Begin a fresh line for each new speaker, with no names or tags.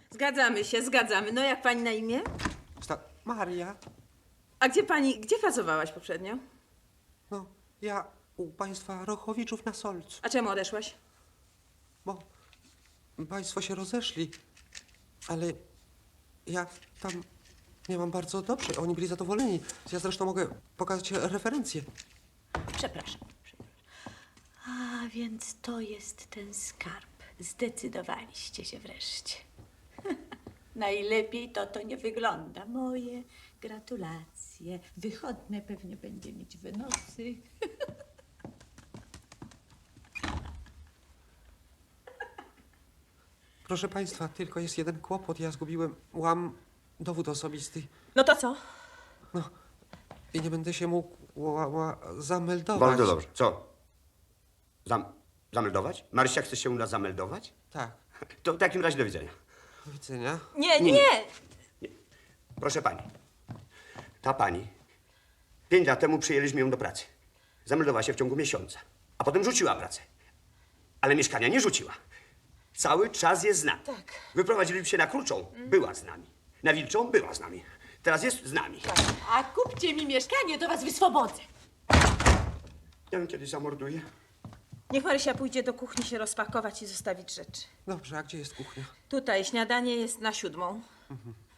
Zgadzamy się, zgadzamy. No jak pani na imię?
Maria.
A gdzie pracowałaś poprzednio?
No, ja u państwa Rochowiczów na Solcu.
A czemu odeszłaś?
Bo państwo się rozeszli, ale ja tam miałam bardzo dobrze. Oni byli zadowoleni. Ja zresztą mogę pokazać referencje.
Przepraszam. A więc to jest ten skarb. Zdecydowaliście się wreszcie. Najlepiej to nie wygląda. Moje gratulacje. Wychodne pewnie będzie mieć wynosy.
Proszę państwa, tylko jest jeden kłopot. Ja zgubiłem dowód osobisty.
No to co?
No, i nie będę się mógł zameldować.
Bardzo dobrze. Co? Zameldować? Marysia, chcesz się u nas zameldować?
Tak.
To w takim razie do widzenia.
Do widzenia.
Nie.
Proszę pani. Ta pani 5 lat temu przyjęliśmy ją do pracy. Zameldowała się w ciągu miesiąca, a potem rzuciła pracę. Ale mieszkania nie rzuciła. Cały czas jest z nami.
Tak.
Wyprowadziliśmy się na Kruczą. Była z nami. Na Wilczą była z nami. Teraz jest z nami.
A kupcie mi mieszkanie, to was wyswobodzę.
Ja ją kiedyś zamorduję.
Niech Marysia pójdzie do kuchni się rozpakować i zostawić rzeczy.
Dobrze, a gdzie jest kuchnia?
Tutaj śniadanie jest na 7:00.